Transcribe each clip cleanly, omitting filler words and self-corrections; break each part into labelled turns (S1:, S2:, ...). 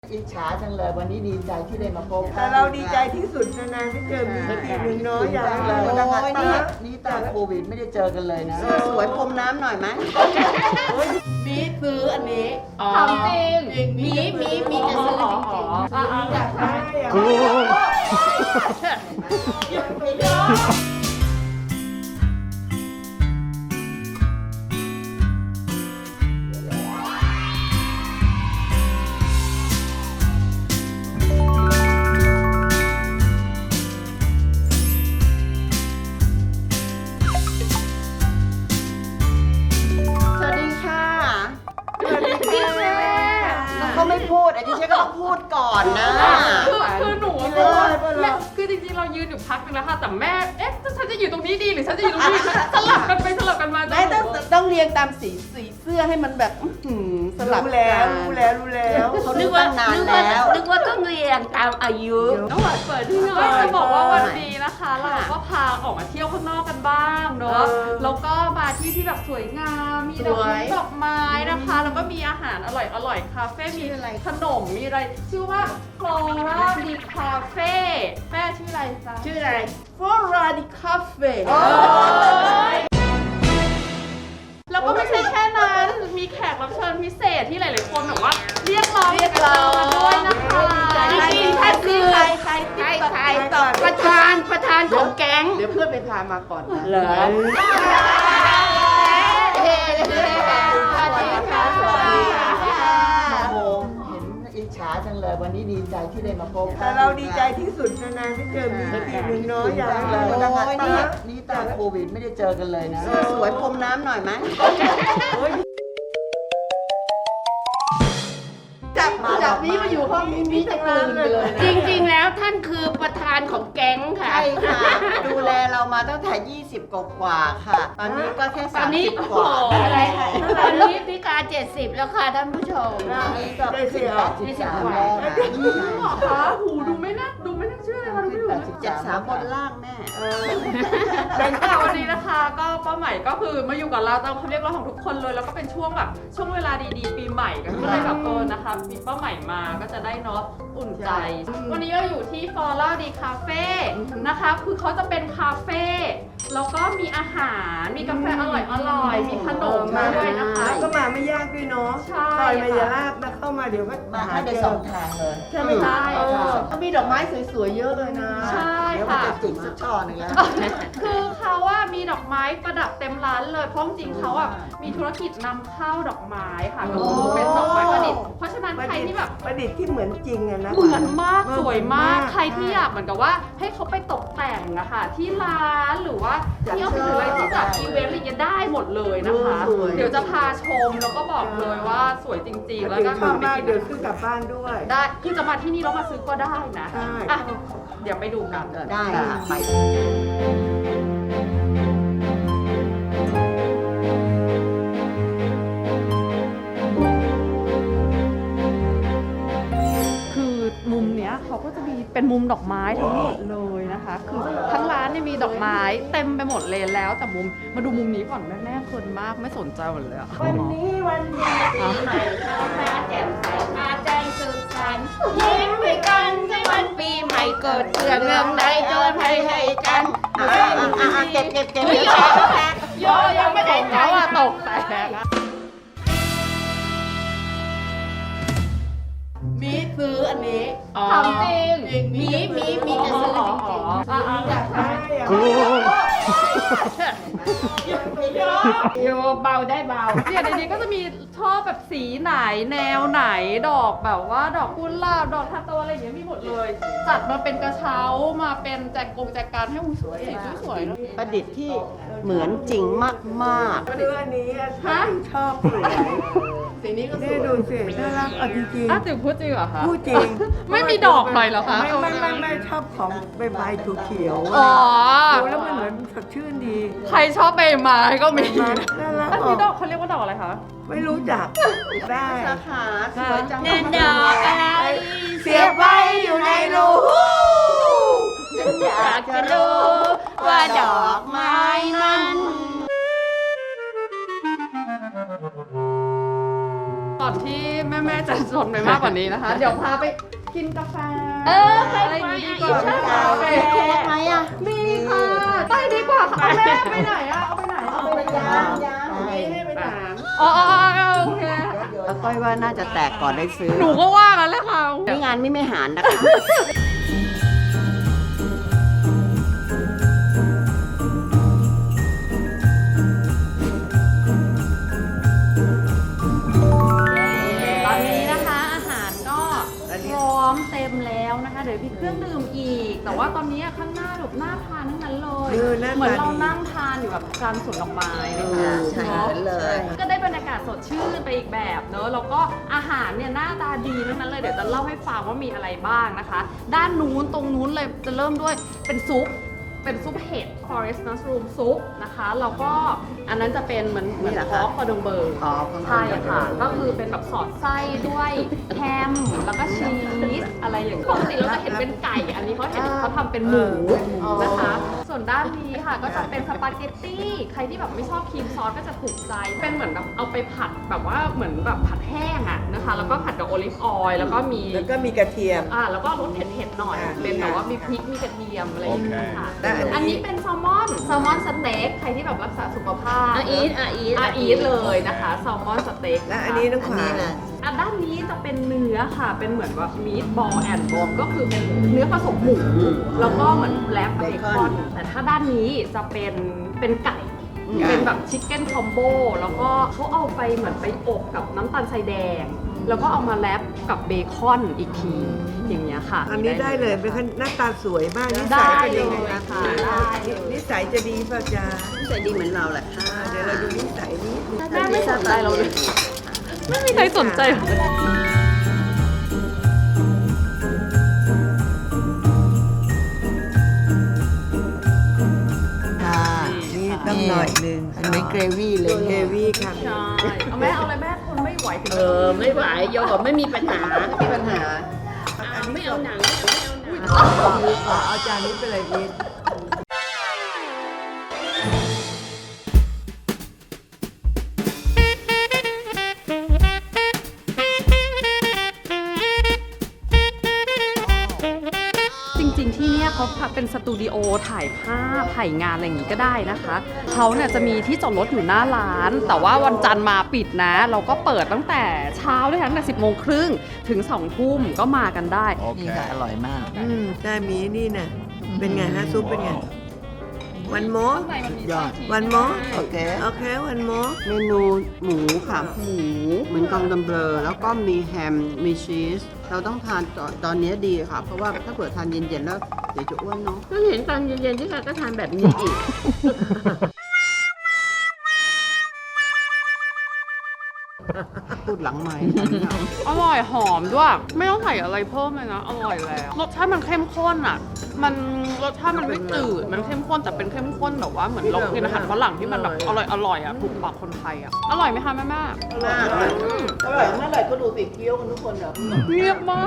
S1: อิจฉาจังเลยวันนี้ดีใจที่ได้มาพบ
S2: แต่เราดีใจที่สุดนานๆที่เจอมีทีหนึ่งเนาะอย่างไร
S1: นี่ตอนโควิดไม่ได้เจอกันเลยนะ
S2: สวยพรมน้ำหน่อยไหมมีซื้ออันนี้
S3: ทำจริงมีจะซื้อจริง
S2: อยากได้เขาไม่พูดไอ้ที่ฉันก็ต้องพูดก่อนนะ
S3: คือหนูว่าคือจริงๆเรายืนอยู่พักนึงแล้วค่ะแต่แม่ฉันจะอยู่ตรงนี้ดีหรือฉันจะอยู่ตรงนี้สลับกันไปสลับกันมา
S2: ไม่ต้องเรียงตามสีเสื้อให้มันแบบสลับแล้ว
S1: เขานึกว่านานแล้ว
S3: นึกว่าต้องเรียงตามอายุน้องหวานเปิดที่หน่อยจะบอกว่าวันนี้นะคะเราก็พาออกมาเที่ยวข้างนอกกันบ้างเนาะแล้วก็มาที่แบบสวยงามมีดอกไม้นะคะแล้วก็มีอาหารอร่อยคาเฟ่มีขนมมีอะไรชื่อว่า Flora di Cafe แม่ชื่ออะไรจ๊ะ
S2: ชื่ออะไร Flora di Cafe
S3: แล้วก็ไม่ใช่แค่นั้นมีแขกรับเชิญพิเศษที่หลายๆคนแบบว่าเรียกร้องด้วยนะคะ
S2: จริงๆถ้าคือใครตอบประธานของแก๊งเดี๋ยวเพื่อนไปพามาก่อน
S1: เหรออิจฉาจังเลยวันนี้ดีใจที่ได้มาพบ
S2: แต่เราดีใจที่สุดนานๆที่เจอมีทีหนึ่งเนาะอย่างไร
S1: นี่ตอนโควิดไม่ได้เจอกันเลยนะ
S2: สวยพรมน้ำหน่อยไหมจับนี้มาอยู่ห้องนี้จะกลืนไปเลย
S3: จริงๆแล้วท่านคือประธานของแก๊งค่ะ
S1: ใช่ค่ะดูแลเรามาตั้งแต่20กว่าค่ะตอนนี้ก็แค่30กว่า
S3: อะไรตอนนี้พิการ70แล้วค่ะท่านผู้ชม
S1: นี่ก็83แล้วค่ะ
S3: หมอคะหูดูไม่น่าเชื่อเลยค่ะดูไม่ถูก
S1: 73บนล่างแม่
S3: แต่วันนี้นะคะก็ป้าใหม่ก็คือมาอยู่กับเราตามคำเรียกร้องของทุกคนเลยแล้วก็เป็นช่วงแบบช่วงเวลาดีๆปีใหม่กันก็เลยแบบนะคะมีป้าใหม่มาก็จะได้เนาะอุ่นใจวันนี้เราอยู่ที่ Flora di Cafe นะคะคือเขาจะเป็นคาเฟ่แล้วก็มีอาหารมีกาแฟอร่อยมีขนมมาด้วยนะคะ
S2: ก็มาไม่ยากด้วยเนาะ
S3: ใช่
S2: ซอยมายาลาบนะเข้ามาเดี๋ยวก็
S1: มาให้ได้2ทางเลย
S2: ใช่ไหมคะเขามีดอกไม้สวยๆเยอะเลยนะ
S3: ใช่
S1: ค่ะเดี๋ยวมันจะจิกสักช่อนึงแล้ว
S3: คือเขาว่ามีดอกไม้ประดับเต็มร้านเลยเพราะจริงเขาอ่ะมีธุรกิจนำเข้าดอกไม้ค่ะก็คือเป็นดอกไม้ประดิษฐ์เพราะฉะนั้นใครที่แบบ
S2: ประดิษฐ์ที่เหมือนจริงอะนะ
S3: เหมือนมากสวยมากใครที่อยากเหมือนกับว่าให้เขาไปตกแต่งอะค่ะที่ร้านหรือว่าที่ออฟฟิศหรืออะไรที่จัดอีเวนต์อะไรจะได้หมดเลยนะคะเดี๋ยวจะพาชมแล้วก็บอกเลยว่าสวยจริงๆแล้วก็
S2: ชอบมากเดี๋ยวซื้อกลับบ้านด้วย
S3: ได้คือจะมาที่นี่แล้วมาซื้อก็ได้นะเดี๋ยวไปดูกัน
S1: ได้ค่ะไป
S3: มุมเนี้ยเขาก็จะมีเป็นมุมดอกไม้ทั้งหมดเลยนะคะคือทั้งร้านเนี่ยมีดอกไม้เต็มไปหมดเลยแล้วแต่มุมมาดูมุมนี้ก่อนแม่คนมากไม่สนใจหมดเลย
S2: วันนี้วันดีปีใหม่มาแจ่มใสมาแจ้งสุขสันต์ยิ้มให้กันในวันปีใหม่เกิดเรื่องใดโดนให้กัน
S1: เก็บ
S3: โยยังไม่ได้แล้วตกแต่
S2: มีซื้ออันนี้
S3: ทำจริง
S2: มีจะซื้อจริงอยากได้โยเบาได้เบา
S3: เนี่ยในนี้ก็จะมีชอบแบบสีไหนแนวไหนดอกแบบว่าดอกกุหลาบดอกทาโตอะไรอย่างเงี้ยมีหมดเลยจัดมาเป็นกระเช้ามาเป็นแจกันให้สวยๆนะ
S1: ประดิษฐ์ที่เหมือนจริงมาก
S2: ๆซื้ออันนี้ชอบสวยสีนี้ก็สวยดูสิน่ารักจริงๆ
S3: ติ๋วพูดจริงเหรอคะ
S2: พูดจริง
S3: ไม่มีดอกหน่อยเหรอคะ
S2: ไม่ชอบของใบเขียวดูแล้วมันเหมือนสดชื่นดี
S3: ใครชอบใบไม้ก็มี
S2: น่ารัก
S3: อันนี้ดอกเขาเรียกว่าดอกอะไรคะ
S2: ไม่รู้จักได้
S1: สาขาสวยจัง
S3: เงินดอกอะไร
S2: เสียบไว้อยู่ในรู
S3: อยากจะรู้ว่าดอกไม้นั้นก่อนที่แม่ๆจะชนไปมากกว่านี้นะคะ เดี๋ยวพาไปกินกาแฟ
S2: ไป
S3: อะไรอย่างนี้ดีกว่า
S2: ใช่
S3: ไป
S1: โค้กไหมอ่ะ
S3: มีค่ะไปดีกว่าค่ะเอาแม่ไปไหนอะเอาไปไหน
S1: เอาไปย่างให้ไปถาม
S3: อ๋อโอเค
S1: แล้วก้อยว่าน่าจะแตกก่อนได้ซื้อ
S3: หนูก็ว่ากันเลยค่ะ
S1: นี่งานไม่หารนะคะ
S3: ตอนนี้นะคะอาหารก็พร้อมเต็มแล้วนะคะ เดี๋ยวมีเครื่องดื่มอีก แต่ว่าตอนนี้ข้างหน้าแบบน่าทานทั้งนั้นเลย เหมือนเรานั่งทานอยู่แบบกลางสวนดอกไม้เลยค่ะ
S1: ใช่
S3: เนาะ
S1: เลย
S3: ก็ได้บรรยากาศสดชื่นไปอีกแบบเนอะแล้วก็อาหารเนี่ยหน้าตาดีทั้งนั้นเลยเดี๋ยวจะเล่าให้ฟังว่ามีอะไรบ้างนะคะ ด้านนู้นตรงนู้นเลยจะเริ่มด้วยเป็นซุปเห็ด forest mushroom ซุปนะคะแล้วก็อันนั้นจะเป็นเหมือน
S1: นี่เหรอ
S3: พ
S1: คะ
S3: อกคอดงเบอร์
S1: อ๋อ
S3: ใช่ค่ะ ก็คือเป็นแบบสอดไส้ด้วยแฮมแล้วก็ชีสอะไรอย่างเงี้ยปกติเราจะเห็นเป็นไก่ อันนี้เขาทำเป็นหมูนะคะ ส่วนด้านนี้ค่ะก็จะเป็นสปาเกตตี้ใครที่แบบไม่ชอบครีมซอสก็จะถูกใจเป็นเหมือนแบบเอาไปผัดแบบว่าเหมือนแบบผัดแห้งอะนะคะแล้วก็ผัดกับโอลิฟออยล์แล้วก็มี
S4: แล้วก็มีกระเทียม
S3: แล้วก็รสเผ็ดๆหน่อย เป็นแบบว่ามีพริกมีกระเทียมอะไรอย่างเงี้ยค่ะ
S4: ได้อันนี้
S3: อันนี้เป็นแซลมอนสเต็กใครที่แบบรักษาสุขภาพ
S2: อาอีท
S3: เลยนะคะแซลมอนสเต็ก
S4: และอันนี้น้องขวาน
S3: ด้านนี้จะเป็นเนื้อค่ะ เป็นเหมือนแบบมีดบอลแอนด์บอมก็คือเป็นเนื้อผสมหมู แล้วก็เหมือนแรปเบคอน แต่ถ้าด้านนี้จะเป็นไก่ เป็นแบบชิคเก้นคอมโบ แล้วก็เขาเอาไปเหมือนไปอบกับน้ำตาลทรายแดง แล้วก็เอามาแรปกับเบคอนอีกที อย่างเงี้ยค่ะ
S4: อันนี้ได้เลยเป็นหน้าตาสวยมากนิ
S3: ได้
S4: สัยเป็น
S3: เล
S4: ยังไง
S3: ย
S4: คะ
S3: ค่ะได้เลย
S4: นิสัยจะดีป่ะจ๊ะ
S1: ใส่ดีเหมือนเราแหละค่ะ
S4: เดี๋ยวเราดูนิสัยนี้
S3: แม่ไม่สนใจเราเลย ไม่มีใครสนใจ
S1: ค่ะ
S4: นี่ต้องหน่อยหนึง
S1: อันนี้เกรวี่เลย
S4: เฮวี่ค่ะ
S3: ใช่เอาแม่เอาอะไรแม่ทนไม่ไหวถึง
S2: ไม่ไหวโยบอกไม่มีปัญหา
S1: มีปัญหา
S2: ไม่เอาหนังไม่เอาหนัง
S4: เอาจานนี้ไปเลยพีท
S3: จริงๆที่เนี่ยเขาเป็นสตูดิโอถ่ายภาพถ่ายงานอะไรอย่างงี้ก็ได้นะคะเขาเนี่ยจะมีที่จอดรถอยู่หน้าร้าน แต่ว่าวันจันทร์มาปิดนะ เราก็เปิดตั้งแต่เช้าด้วยค่ะตั้งแต่ 10:30 ถึง 2 ทุ่มก็มากันได้
S1: นี่ค่ะอร่อยมาก
S4: ได้มีนี่น่ะเป็นไงฮะซุปเป็นไงวันโม
S1: ยอด
S4: วันโม
S1: โอเค
S4: โอเควันโม
S1: เมนูหมูขาหมูเหมือนกองดำเบลอแล้วก็มีแฮม มีชีส เราต้องทานตอนนี้ดีค่ะ เพราะว่าถ้าเผื่อทานเย็นๆแล้วเดี๋ยวจะอ้วนเนาะ
S2: ก็เห็นตอนเย็นๆที่ค่ะก็ทานแบบนี้อีก
S1: พูดหลังใหม่
S3: อร่อยหอมด้วย ไม่ต้องใส่อะไรเพิ่มเลยนะ อร่อยแล้ว รสชาติมันเข้มข้นอ่ะ รสชาติมันไม่จืด มันเข้มข้นแต่เป็นเข้มข้นแบบว่าเหมือนเรากินอาหารฝรั่งที่มันแบบอร่อยอ่ะถูกปากคนไทยอ่ะ อร่อยไหมคะแม่
S1: อร่อยอร่อยเมื่อไหร่ก็ดูสิเคี้ยวกันทุกคนแบบ
S3: ๆเงียบมาก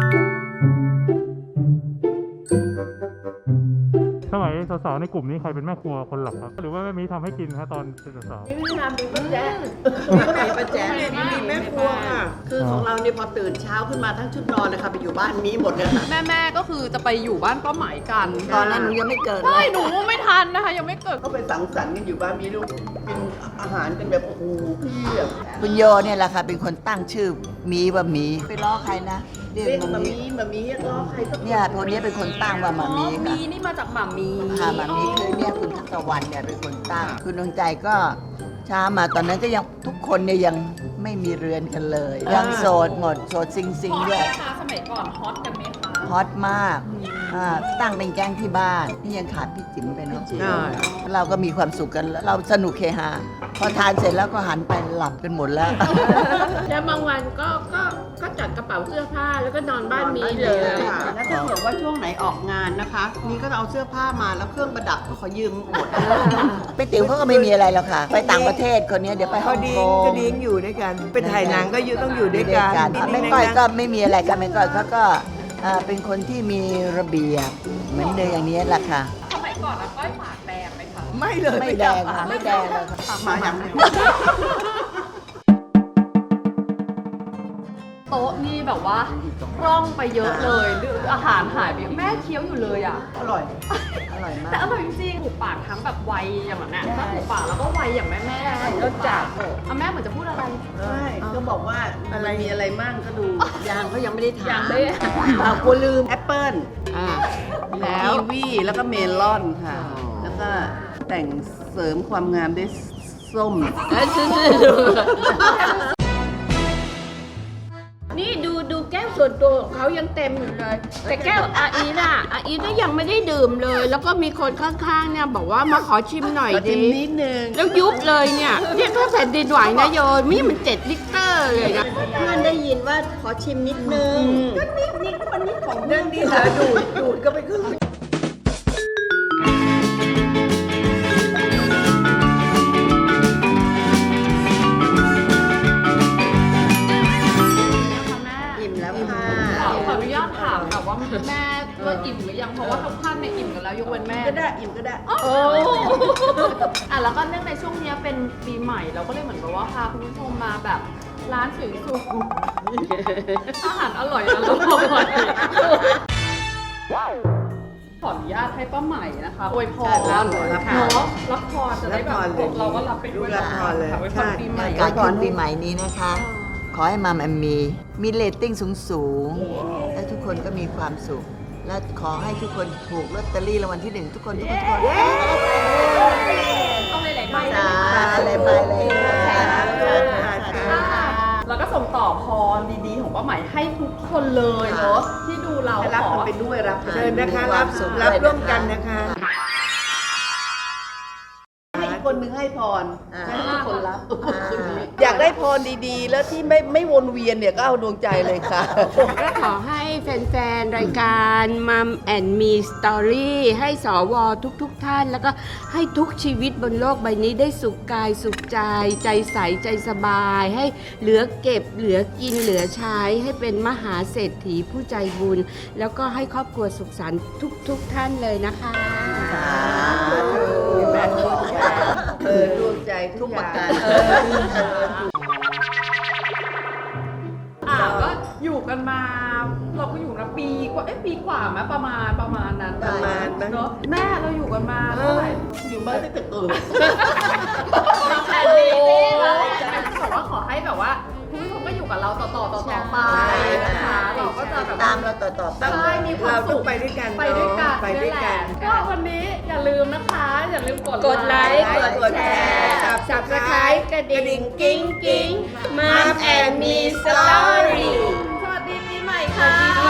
S5: สมัยสาวๆในกลุ่มนี้ใครเป็นแม่ครัวคนหลักครับ หรือว่าแม่มีทำให้กินฮะตอนเป็นสาว
S1: มีประแจมีแม่ครัวค่ะ คือของเราเนี่ยพอตื่นเช้าขึ้นมาทั้งชุดนอนนะคะไปอยู่บ้านมีหมดเลยค่ะ
S3: แม่ก็คือจะไปอยู่บ้านป้าหมายกัน
S1: ตอนนั้นหนูยังไม่เกิดเล
S3: ใช่
S1: ย
S3: หนูไม่ทันนะคะ ยังไม่เกิด
S1: ก็ไปสังสรรค์กันอยู่บ้านมีลูกกินอาหารกันแบบโอ้โหเพียบคุณโยเนี่ยแหละค่ะเป็นคนตั้งชื่อมีว่ามีไปล้อใครนะเรียกมามีล้อใครเนี่ยคนนี้เป็นคนตั้งว่ามามีค่ะ
S3: มีนี่มาจากหม่ามี
S1: ค่ะมามีคือเนี่ยคุณทัศวรรณเนี่ยเป็นคนตั้งคุณดวงใจก็ช้ามาตอนนั้นก็ยังทุกคนเนี่ยยังไม่มีเรือนกันเลย ยังโสดหมดโสดซิงซิง
S3: ฮอต
S1: ด้
S3: ไห
S1: วย
S3: มคะสมัยก่อนฮอตกันไหมคะ
S1: ฮอตมากตั้งเป็นแก๊งที่บ้านนี่ยังขาดพี่จิ๋มไปเนาะเราก็มีความสุขกันเราสนุกเฮฮาพอทานเสร็จแล้วก็หันไปหลับกันหมดแล้ว
S2: แล้วบางวันก็จัดกระเป๋าเสื้อผ้าแล้วก็นอนบ้านมีเลย
S1: แล้วถ้าเกิดว่าช่วงไหนออกงานนะคะ นี่ก็เอาเสื้อผ้ามาแล้วเครื่องประดับก็ขอยืมหมดไปติ๋วเขาก็ไม่มีอะไรหรอกค่ะ ไปต่างประเทศคนนี้เดี๋ยวไปฮ่
S4: เขา
S1: อง
S4: ดิ้
S1: ก
S4: ง
S1: ง
S4: ก็ดิ้งอยู่ด้วยกัน เป็นถ่ายหนังก็อยู่ต้องอยู่ด้วยกัน
S1: แม่ก้อยก็ไม่มีอะไรค่ะแม่ก้อยเขาก็เป็นคนที่มีระเบียบเหมือนเดิมอย่างนี้แหละค่ะ
S3: สมัยก่อนอะก้อยปากแดงไหมคะ
S4: ไม่เลย
S1: ไม่แดงค่ะไม่แดงเลยค่ะมาอย่างนี้
S3: ปากหมาอย่าง
S1: มาอย่างนี้
S3: เดียว
S1: มาอย่างนี้
S3: มาอย่างเดียว
S1: มาอย่างนี้
S3: มาอย่างเดียว
S1: มาอย่างนี้
S3: มาอย่างเดียว
S1: มาอย่างนี้
S3: ต๊ะนี่แบบว่าร่องไปเยอะเลยอาหารหายไปแม่เคี้ยวอยู่เลยอ่ะ
S1: อร่อย อร่อยมาก
S3: แต่อร่อยจริงๆถูกปากทั้งแบบวัยอย่างนั้นน่ะถ้าถูกปากแล้วก็วัยอย่างแม่ๆรสจัดแม่เหมือนจะพูดอะไร
S1: ใช่ก็บอกว่ามันมีอะไรมั่งก็ดู
S4: ยางเขายังไม่ได้ถาม
S3: ยังไม่
S1: กลัวลืมแอปเปิ้ล
S3: แล้ว
S1: กีวีแล้วก็เมลอนค่ะ แล้วก็แต่งเสริมความงามด้วยส้ม
S2: นี่ดูแก้วส่วนตัวของเขายังเต็มอยู่เลย แต่แก้วอาอีน่ะยังไม่ได้ดื่มเลย แล้วก็มีคนข้างๆเนี่ยบอกว่ามาขอชิมหน่อย
S1: ขอชิ
S2: ดิ
S1: มนิดนึง
S2: แล้วยุบเลยเนี่ยถ้าแผ่นดินไหวนะโยนนี่มัน7 ลิตรเลยนะ
S4: เพื่อนได้ยินว่าขอชิมนิดนึง
S1: ก็นี่ก็มันนิดของเรื่องดีนะดูดก็ไปครึ่ง
S4: อิ่มแล้วค่ะ
S3: ขออนุญาตถามค่ะว่าแม่ก็อิ่มหรือยังเพราะว่าทุกท่านเนี่ยอิ่มกันแล้วยกเว้นแม่
S1: ก็ได้อิ่มก็ได้
S3: โอ้อ่ะแล้วก็เนื่องในช่วงเนี้ยเป็นปีใหม่เราก็เลยเหมือนกับว่าพาคุณผู้ชมมาแบบร้านสวยๆอาหารอร่อยขออนุญาตให้ป้าใหม่นะคะอวยพร
S1: ใช่รับพร
S3: เนาะรับพรจะได้แบบเราก็รับไปด้วย
S4: รับพรเลย
S3: ค่ะอวยพรปีใหม่
S1: การก่อนปีใหม่นี้นะคะ ขอให้มัมแอมมีเรตติ้งสูงๆและทุกคนก็มีความสุข และขอให้ทุกคนถูกลอตเตอรี่รางวัลที่ 1 ทุกคน
S3: ต้องหลายๆใบ
S1: สาอะไรไปเลย
S3: แล้วก็ส่งต่อพรดีๆของป้าใหม่ให้ทุกคนเลยเนาะที่ดูเรา
S1: รับ
S3: ขอ
S1: กันไปด้วยรับ
S4: เชิญนะคะรับร่วมกันนะคะ
S1: ให้อีกคนนึงให้พรให้ทุกคนรับอยากได้พรดีๆ แล้วที่ไม่วนเวียนเนี่ยก็เอาดวงใจเลยค่ะ
S2: ก็ขอให้แฟนๆ รายการมัมแอนมีสตอรี่ให้สวทุกท่าน แล้วก็ให้ทุกชีวิตบนโลกใบนี้ได้สุขกายสุขใจ ใจใสใจสบาย ให้เหลือเก็บเหลือกินเหลือใช้ให้เป็นมหาเศรษฐีผู้ใจบุญ แล้วก็ให้ครอบครัวสุขสันต์ทุกท่านเลยนะคะ
S1: ดวงใจทุกประการ
S3: ก็อยู่กันมา เราก็อยู่นะปีกว่าปีกว่าไหมประมาณนั้น
S4: ประมาณนั้น
S3: เนาะแม่เราอยู่กันมาเท่าไหร่
S1: อยู่มาตั้งแต่เกิด
S3: แค่นี้แล้วบอกว่าขอให้แบบว่าคุณผู้ชมก็อยู่กับเราต่อไปนะคะเราก็จะแบบ
S1: ตามเราต่อๆไป
S3: ใช่มีความ
S4: เราต้
S3: สุ
S4: อง
S3: ข
S4: ไปด้วยกัน
S3: ไปด้วยกัน
S4: ไปด้วยกัน
S3: ก็วันนี้อย่าลืมนะคะ อย่าลืมกด
S2: ไลค์กดแชร์
S4: Subscribe
S2: กระดิ่งกิ้งกิ้งมัมแอนมีสตอรี่
S3: สวัสดีปีใหม่ค่ะ